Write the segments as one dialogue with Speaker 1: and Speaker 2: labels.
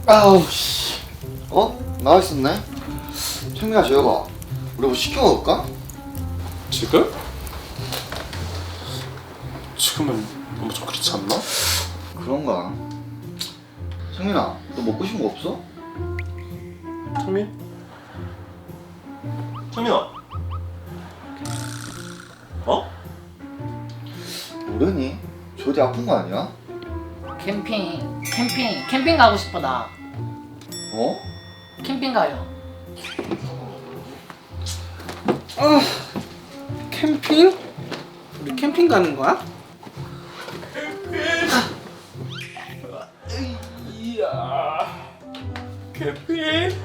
Speaker 1: 아우 씨. 나와 있었네. 창민아 재혁아, 우리 뭐 시켜 먹을까?
Speaker 2: 지금? 지금은 너무 좀 그렇지 않나?
Speaker 1: 그런가. 창민아, 너 먹고 싶은 거 없어?
Speaker 2: 창민? 창민아. 어?
Speaker 1: 모르니? 조디 아픈 거 아니야?
Speaker 3: 캠핑 가고 싶어 나.
Speaker 1: 어?
Speaker 3: 캠핑 가요.
Speaker 4: 캠핑? 우리 캠핑 가는 거야?
Speaker 2: 캠핑?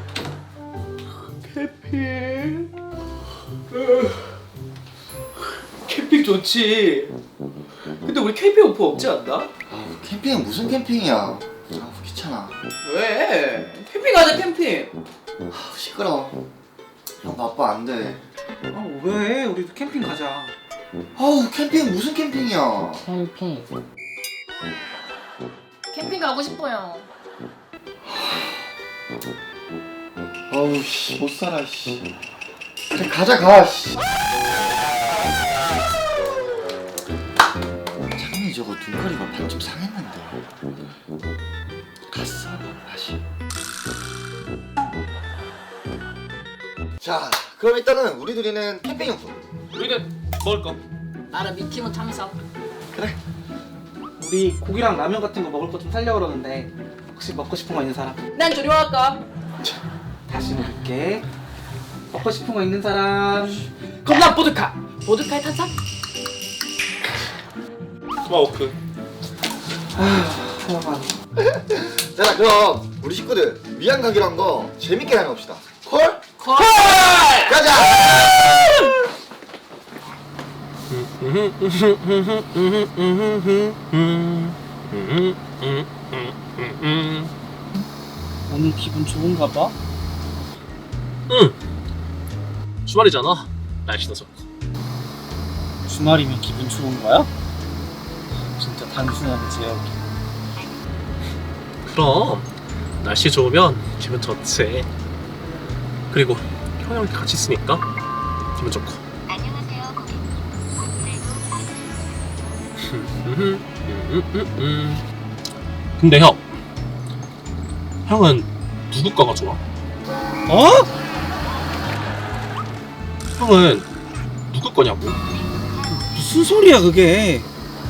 Speaker 4: 캠핑 좋지. 근데 우리 캠핑 오프 없지 않나?
Speaker 1: 캠핑은 무슨 캠핑이야? 귀찮아.
Speaker 4: 왜? 캠핑 가자 캠핑.
Speaker 1: 시끄러워. 형 바빠 안 돼.
Speaker 4: 왜? 우리도 캠핑 가자.
Speaker 1: 캠핑 무슨 캠핑이야?
Speaker 3: 캠핑 가고 싶어요.
Speaker 1: 씨, 못 살아, 씨. 그래, 가자, 씨. 창민이 저거 눈가리가 반쯤 상했는데. 갔어, 다시. 자, 그럼 일단은 우리 둘이는 캠핑용품.
Speaker 2: 우리는 먹을 거.
Speaker 3: 나는 미키모 참석.
Speaker 1: 그래.
Speaker 4: 우리 고기랑 라면 같은 거 먹을 거 좀 살려고 그러는데 혹시 먹고 싶은 거 있는 사람?
Speaker 3: 난 조리할까?
Speaker 4: 다시 물을게. 먹고 싶은 거 있는 사람?
Speaker 3: 그럼 난 보드카. 보드카에 탄산?
Speaker 2: 스마워크.
Speaker 4: 하여간
Speaker 1: 자, 그럼 우리 식구들 위안 가기로 한 거 재밌게 다녀봅시다. 콜?
Speaker 3: 콜!
Speaker 1: 가자!
Speaker 4: 오늘 기분 좋은가 봐?
Speaker 2: 주말이잖아. 날씨도 좋고.
Speaker 4: 주말이면 기분 좋은 거야? 진짜 단순하네 재혁이.
Speaker 2: 그럼 날씨 좋으면 기분 좋지. 그리고 형이랑 같이 있으니까 기분 좋고.
Speaker 5: 안녕하세요, 고객님.
Speaker 2: 근데 형은 누구 거가 좋아? 형은 누구 거냐고?
Speaker 4: 무슨 소리야 그게?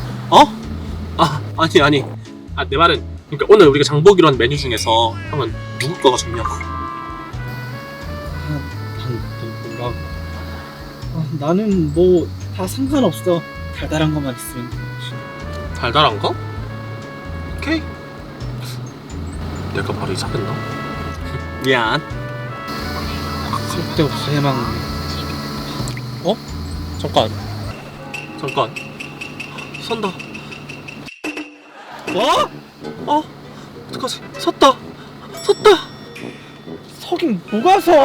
Speaker 2: 아니. 내 말은 그러니까 오늘 우리가 장 보기로 한 메뉴 중에서 형은 누구 거가 좋냐고.
Speaker 4: 뭐라고? 나는 뭐 다 상관없어. 달달한 것만 있으면.
Speaker 2: 달달한 거? 오케이. 내가 바로 이사했나? 미안.
Speaker 4: 쓸데없어 해먹네.
Speaker 2: 잠깐. 선다.
Speaker 4: 뭐?
Speaker 2: 어떡하지? 섰다.
Speaker 4: 서긴 뭐가 서?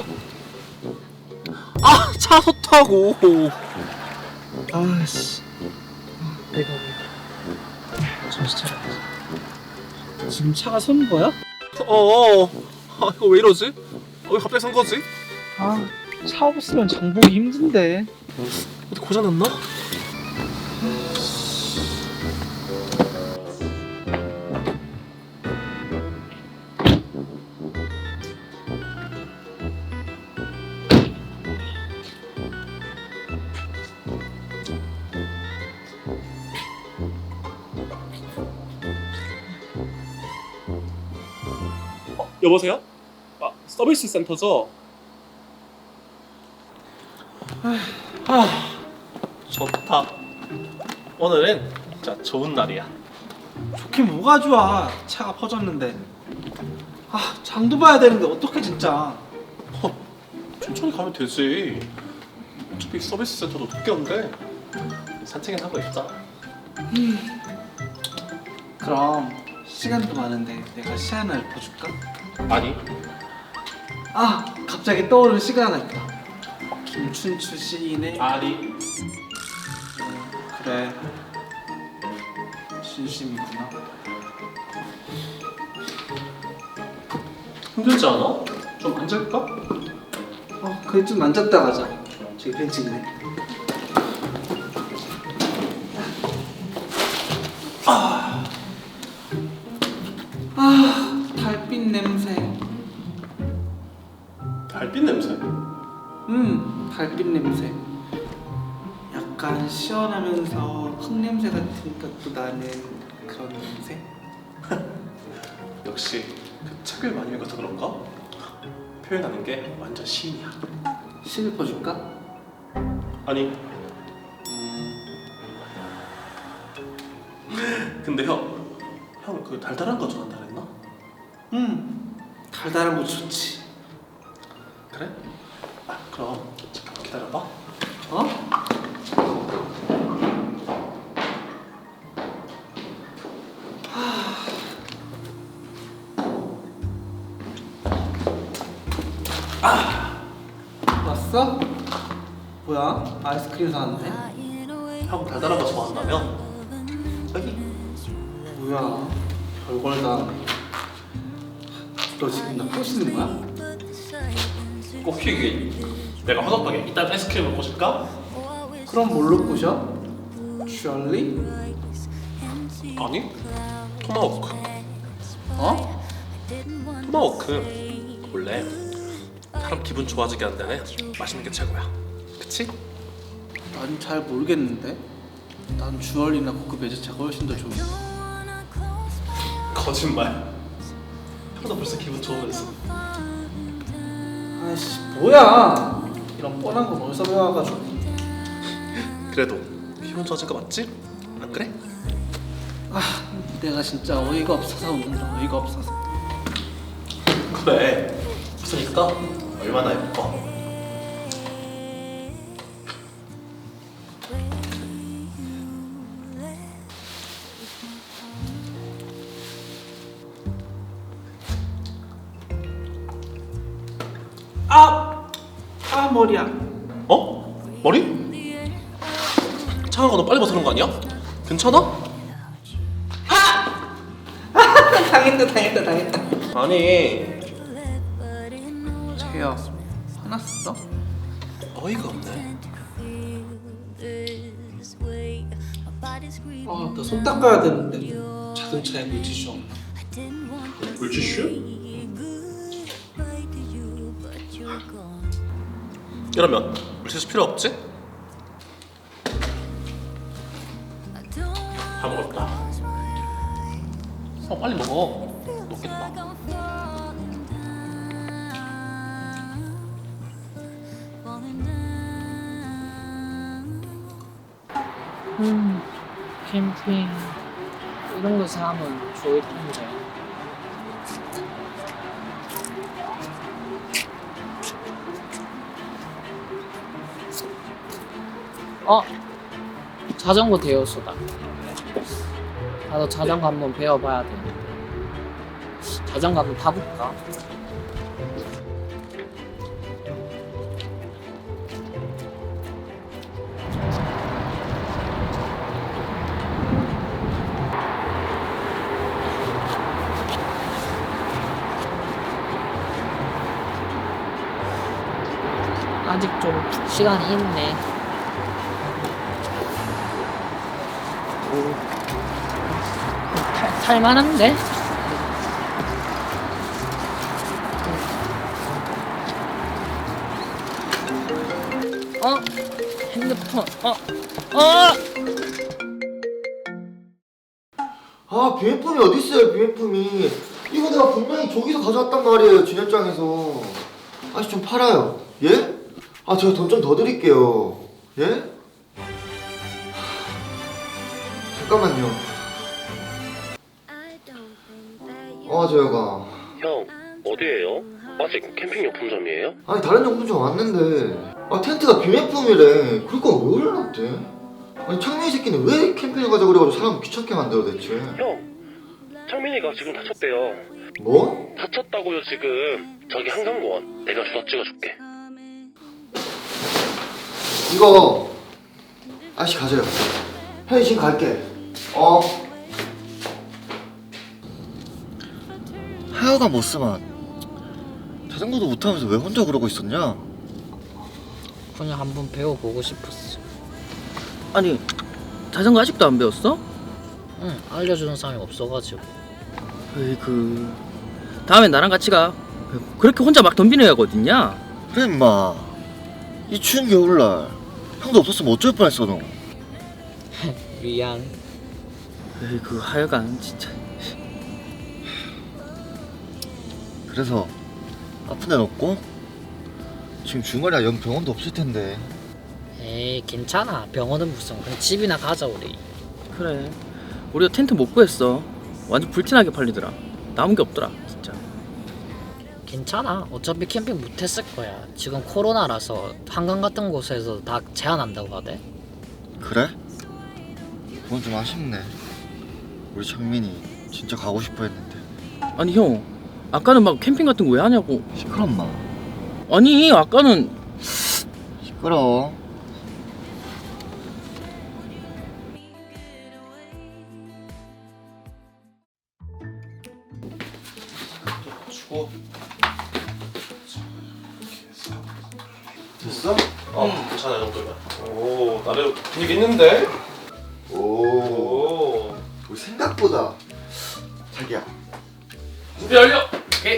Speaker 2: 차 섰다고.
Speaker 4: 아씨. 내가 왜? 정신 차려야지. 지금 차가 선 거야?
Speaker 2: 이거 왜 이러지? 왜 갑자기 선 거지?
Speaker 4: 차 없으면 장 보기 힘든데.
Speaker 2: 어디 고장났나? 여보세요? 서비스 센터죠? 좋다. 오늘은 진짜 좋은 날이야.
Speaker 4: 좋긴 뭐가 좋아. 차가 퍼졌는데. 장도 봐야 되는데 어떡해 진짜.
Speaker 2: 천천히 가면 되지. 어차피 서비스 센터도 늦게 온대. 산책은 하고 있자.
Speaker 4: 그럼 시간도 많은데 내가 시 하나 읊어줄까?
Speaker 2: 아니.
Speaker 4: 갑자기 떠오르는 시가 하나 있다. 김춘추 시인의
Speaker 2: 아니.
Speaker 4: 그래 진심이구나.
Speaker 2: 힘들지 않아? 좀 앉을까?
Speaker 4: 그래 좀 앉았다 가자. 저기 벤치 있네. 달빛 냄새.
Speaker 2: 달빛 냄새?
Speaker 4: 달빛 냄새. 약간 시원하면서 흙냄새 같은 것도 나는 그런 냄새.
Speaker 2: 역시 그 책을 많이 읽어서 그런가? 표현하는 게 완전 시인이야.
Speaker 4: 실 읊어줄까?
Speaker 2: 아니 근데 형 그 달달한 거 좋아한다 그랬나?
Speaker 4: 달달한 거 좋지.
Speaker 2: 그래? 아 그럼 잠깐만 기다려봐.
Speaker 4: 어? 왔어? 뭐야? 아이스크림 사왔네?
Speaker 2: 형 달달한 거 좋아한다며? 여기
Speaker 4: 뭐야? 별걸 다 하네. 너 지금 나 꼬시는 거야?
Speaker 2: 꼬키기 내가 허접하게 이딴 아이스크림을 꼬실까?
Speaker 4: 그럼 뭘로 꼬셔? 셜리?
Speaker 2: 아니 토마호크.
Speaker 4: 어?
Speaker 2: 토마호크 원래 사람 기분 좋아지게 한다네 맛있는 게 최고야. 그치?
Speaker 4: 난 잘 모르겠는데. 난 주얼리나 고급 외제차가 훨씬 더 좋은데.
Speaker 2: 거짓말. 형도 벌써 기분 좋으면서.
Speaker 4: 아이씨 뭐야? 이런 뻔한 거 어디서 배워가지고.
Speaker 2: 그래도 기분 좋아진 거 맞지? 안 그래?
Speaker 4: 내가 진짜 어이가 없어서 웃는다. 어이가 없어서.
Speaker 2: 그래. 없으니까 얼마나 예뻐.
Speaker 4: 머리야.
Speaker 2: 어? 머리? 창아가 너 빨리 벗어난 거 아니야? 괜찮아?
Speaker 4: 당했다.
Speaker 2: 아니
Speaker 4: 재야 화났어?
Speaker 2: 어이가 없네.
Speaker 4: 나 손 닦아야 되는데 자동차에 물티슈 없나?
Speaker 2: 물티슈? 이러면 물티슈 필요 없지? 다 먹었다. 빨리 먹어. 녹겠다.
Speaker 3: 캠핑 이런 거 사면 좋을 텐데. 자전거 대여소다. 나도 자전거 한번 배워봐야 되는데. 자전거 한번 타볼까? 아직 좀 시간이 있네. 탈만한데? 핸드폰.
Speaker 1: 비매품이 어딨어요, 비매품이. 이거 내가 분명히 저기서 가져왔단 말이에요, 진열장에서. 아저씨 좀 팔아요. 예? 제가 돈 좀 더 드릴게요. 예? 잠깐만요. 재혁아.
Speaker 2: 형 어디에요? 아직 캠핑 용품점이에요?
Speaker 1: 아니 다른 용품점 왔는데 텐트가 비매품이래. 그러니까 왜 올려놨대? 아니 창민이 새끼는 왜 캠핑을 가자 그래가지고 사람 귀찮게 만들어 대체.
Speaker 2: 형 창민이가 지금 다쳤대요.
Speaker 1: 뭐?
Speaker 2: 다쳤다고요 지금. 저기 한강공원 내가 주소 찍어줄게.
Speaker 1: 이거 아저씨 가져요. 형이 지금 갈게. 하여간 못 쓰면 자전거도 못하면서 왜 혼자 그러고 있었냐?
Speaker 3: 그냥 한번 배워보고 싶었어.
Speaker 5: 아니 자전거 아직도 안 배웠어?
Speaker 3: 응, 알려주는 사람이 없어가지고.
Speaker 5: 에이그 다음엔 나랑 같이 가. 그렇게 혼자 막 덤비는 애가 어딨냐?
Speaker 1: 그래 임마. 이 추운 겨울날 형도 없었으면 어쩔 뻔했어 너.
Speaker 3: 미안.
Speaker 5: 에이그 하여간 진짜.
Speaker 1: 그래서 아픈 데는 없고? 지금 주말이야 영 병원도 없을 텐데.
Speaker 3: 에이, 괜찮아. 병원은 무슨. 그냥 집이나 가자, 우리.
Speaker 5: 그래 우리가 텐트 못 구했어. 완전 불티나게 팔리더라. 남은 게 없더라 진짜.
Speaker 3: 괜찮아. 어차피 캠핑 못했을 거야. 지금 코로나라서 한강 같은 곳에서 다 제한한다고 하대.
Speaker 1: 그래? 그건 좀 아쉽네. 우리 창민이 진짜 가고 싶어 했는데.
Speaker 5: 아니 형 아까는 막 캠핑 같은 거 왜 하냐고.
Speaker 1: 시끄러 마.
Speaker 5: 아니 아까는
Speaker 1: 시끄러.
Speaker 2: 주고.
Speaker 1: 됐어?
Speaker 2: 괜찮아, 이 정도면. 오, 나름 분위기 있는데?
Speaker 1: 오.
Speaker 2: 오.
Speaker 1: 우리 생각보다 자기야.
Speaker 2: 준비 완료! 오케이.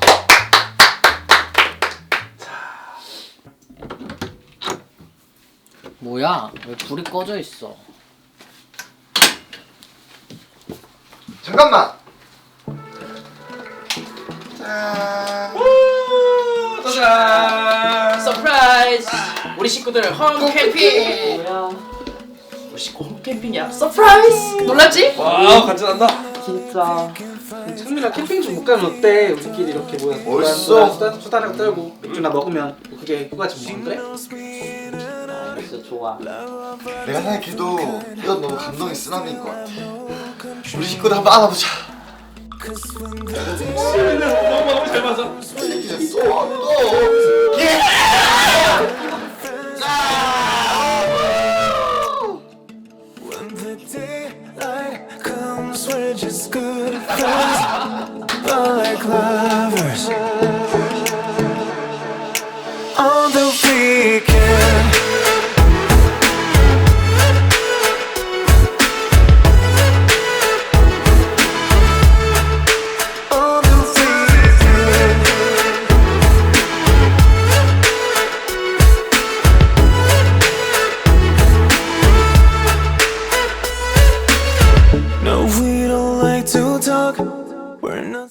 Speaker 3: 뭐야? 왜 불이 꺼져 있어?
Speaker 1: 잠깐만. 짠.
Speaker 2: 짜잔!
Speaker 5: 서프라이즈! 우리 식구들 홈 캠핑!
Speaker 3: 뭐야?
Speaker 5: 우리 식구 홈 캠핑이야. 서프라이즈! 놀랐지?
Speaker 2: 와우, 간지난다.
Speaker 3: 진짜.
Speaker 4: 창민아 캠핑 좀 못 가면 어때? 우리끼리 이렇게 모여서
Speaker 1: 멋있어.
Speaker 4: 수다랑 떨고 맥주나 먹으면 그게 휴가지 뭐. 그래?
Speaker 3: 진짜 좋아.
Speaker 1: 내가 생각해도 이건 너무 감동의 쓰나미인 것 같아. 우리 식구들 한번 안아보자.
Speaker 2: 너무 잘 맞아.
Speaker 1: 이제 또. 예!
Speaker 6: When the daylight comes, we're just good friends, but like lovers. On the weekend, on the weekend, no, we don't like to talk. We're not.